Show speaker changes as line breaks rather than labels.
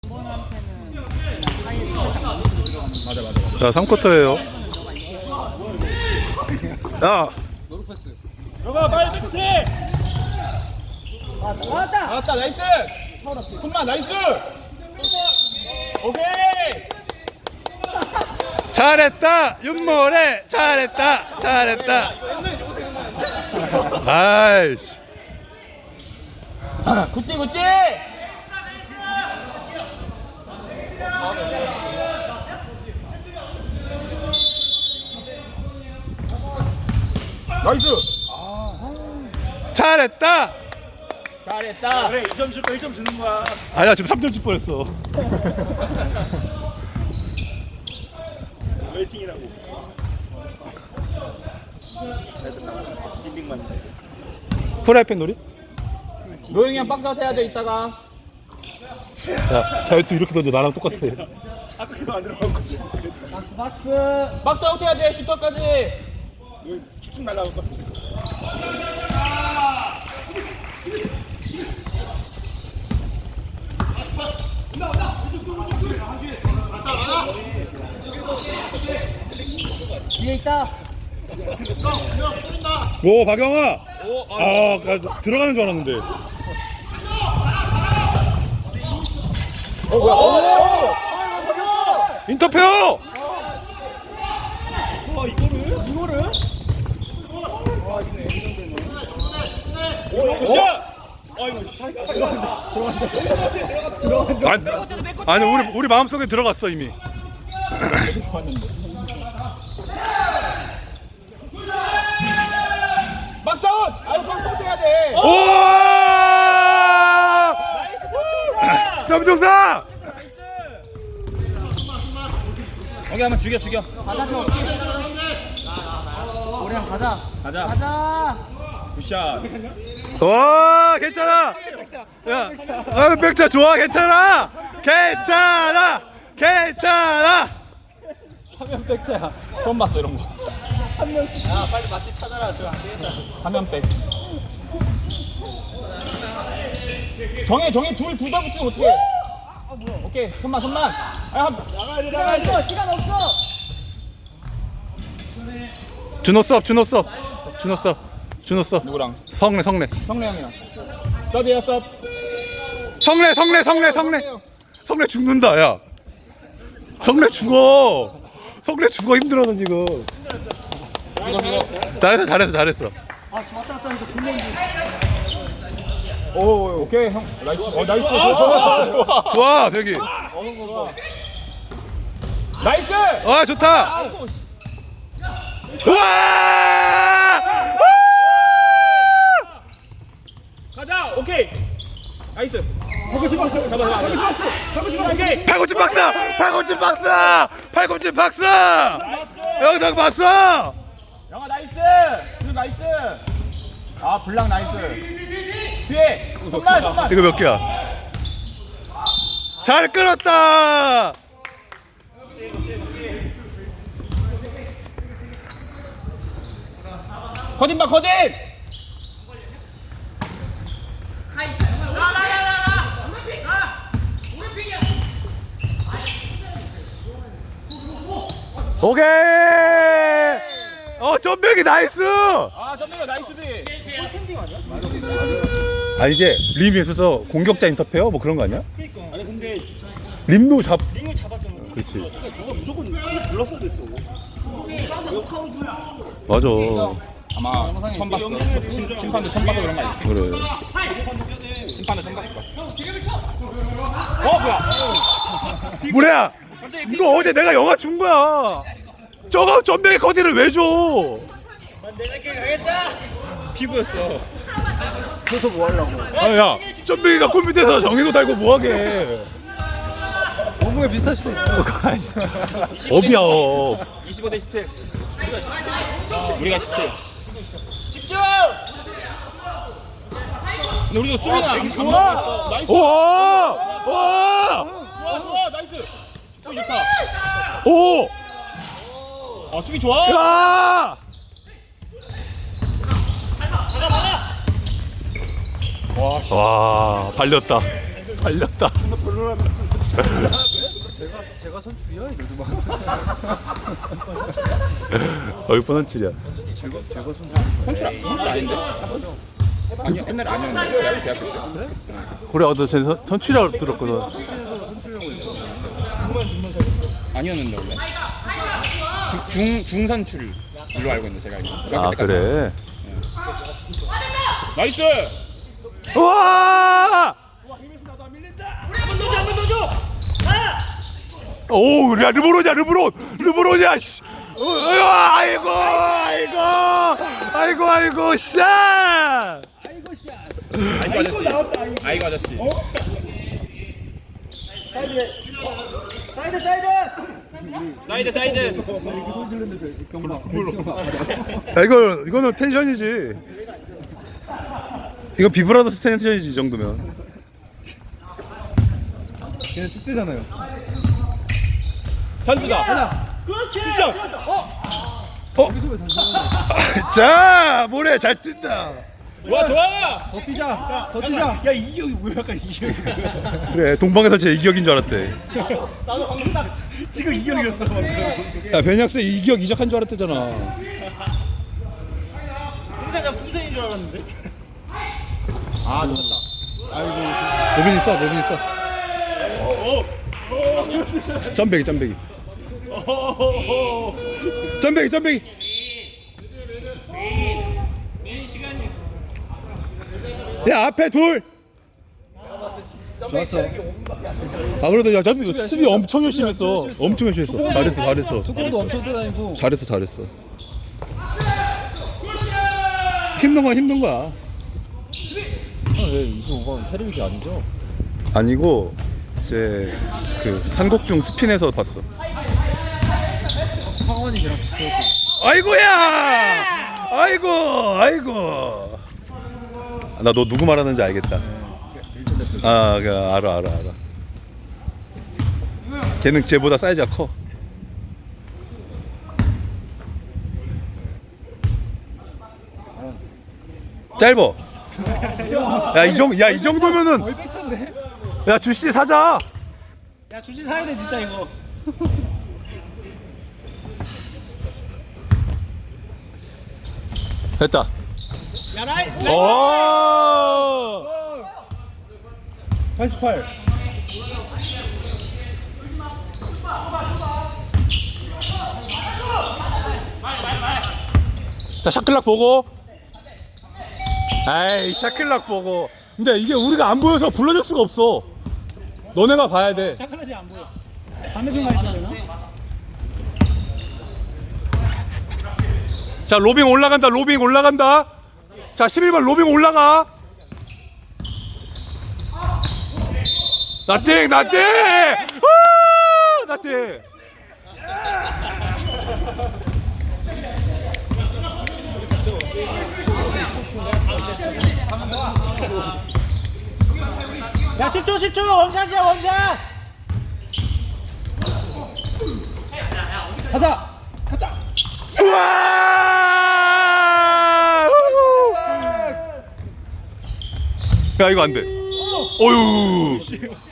맞아.
자, 3쿼터예요. 야,
들어가 빨리 끝에. 나왔다 나이스. 손만 나이스. 오케이.
잘했다, 윤모래. 잘했다. 아이씨.
굿띠. 나이스.
잘했다.
잘했다.
그래 2점 줄 거 1점 주는 거야.
아니야, 지금 3점 줄 뻔했어.
웨이팅이라고. 잘 됐다. 빈딩만.
프라이팬 놀이?
노영이 형 박스아웃 해야 돼 이따가.
야, 자유투 이렇게 던져. 나랑 똑같아.
아까 계속 안 들어간 거지. 그래서
박스아웃 해야 돼 슈터까지.
너 쭉쭉 날아갈 것 같은데.
뒤에 있다.
오, 박영아. 들어가는 줄 알았는데.
뭐야?
인터페어.
이거를?
굿샷!
아니, 우리 마음속에 들어갔어 이미.
박스아웃! 박스아웃 해야 돼.
오! 점종사.
여기 한번 죽여. 가자 좀. 우리랑 가자. 굿샷.
와, 괜찮아. 야, 백차 좋아. 괜찮아.
사면 백자야. 처음 봤어 이런 거. 한 명씩. 야 빨리 맛집 찾아라. 저안 되겠다. 사면 백. 정해 둘 다 붙이면 어떡해? 오케이 손만. 나가야 돼. 시간 없어.
준호 써.
누구랑?
성래.
성래 형이랑. 서비야 서.
성래 죽는다. 야, 성래 죽어 힘들어서 지금. 잘했어.
오 오케이 형. 나이스. 나이스.
좋아 벽이.
나이스.
아, 좋다.
아이고.
우와!
가자. 오케이. 나이스. 팔꿈치 박스. 잡아. 오케이.
팔꿈치 박스. 영상 봤어?
영아 나이스. 나이스. 아 블랑 나이스. 뒤에 손만.
이거 몇 개야? 잘 끌었다.
커딘 봐 커딘.
오케이. 점백이 나이스.
아 점대가 나이스지.
아, 이게 림에 있어서 공격자 인터페어 뭐 그런 거 아니야?
아니 근데
림도
링을 잡았잖아.
그렇지.
저거 무조건 불렀어야 됐어. 이거 카운트야.
맞아.
아마 처음 봤어. 심판도 처음 봐서 그런 거 아니야?
그래.
심판도 처음 봤을 거야. 뭐야?
뭐야? 이거 어제 내가 영화 준 거야. 저거 점백이 거디를 왜 줘?
내가 이렇게 가겠다. 피부였어.
그래서 뭐 하려고?
아, 야, 점백이가 골 밑에서 정의도 달고 뭐하게?
몸무게 비슷할 수도 있어.
업이야, 업.
25대 17. 우리가 17.
집중!
근데 우리가 수비가 안
좋아.
나이스.
오!
좋아 나이스. 수비 좋다.
오!
아 수비 좋아.
야! 와, 발렸다.
별로라면 제가 선출이야 이래도 막.
얼마나 선출이야.
제가
선출 아닌데? 아니 옛날에 아니었는데 대학교 때.
그래, 너 선출이라고 들었거든.
아니었는데 원래. 중선출로 알고 있는데 제가 알고.
아, 그래.
나이스.
우와! 오, 야, 르브론이야, 씨. 아이고, 샷!
아이고 아저씨. 사이드.
야, 이거는 텐션이지. 이거 비브라더스 텐션이지, 이 정도면.
걔는 축제잖아요.
찬스다.
그렇지.
여기서 왜 자, 모래 잘 뛴다.
좋아.
더 뛰자. 야 이기혁이 뭐야 약간 이기혁.
그래, 동방에서 제 이기혁인 줄 알았대.
나도 방금 딱 지금 이기혁이었어 방금.
야, 베니악스 이기혁 이적한 줄 알았대잖아.
공사장 풍선인 줄 알았는데.
아 좋았다.
로빈 있어. 점배기. 야, 앞에 둘.
좋았어.
아, 그래도 야, 수비 엄청 열심히 했어. 잘했어.
속공도 엄청 뛰어다니고.
잘했어. 힘든 거야.
왜 25번 테레비기 아니죠?
아니고 이제 그 산곡중 스핀에서 봤어.
황원이 걔랑 비슷했고.
아이고야! 아이고. 나 너 누구 말하는지 알겠다. 아, 알아. 걔는 쟤보다 사이즈가 커. 짧어. 이 정도면은
얼백찬데?
야, 주씨 사자.
야 주시 사야 돼 진짜 이거.
됐다.
야 나이.
오!
88.
자, 샤클락 보고. 아이, 샤클락 보고. 근데 이게 우리가 안 보여서 불러줄 수가 없어. 너네가 봐야 돼.
샤클라시 안 보여. 반대편만 있어야 되나?
자, 로빙 올라간다. 자, 11번 로빙 올라가. 나띵. 나띵.
야 10초 원샷이야 원샷. 가자. 갔다.
우와! 야, 이거 안 돼. 어휴.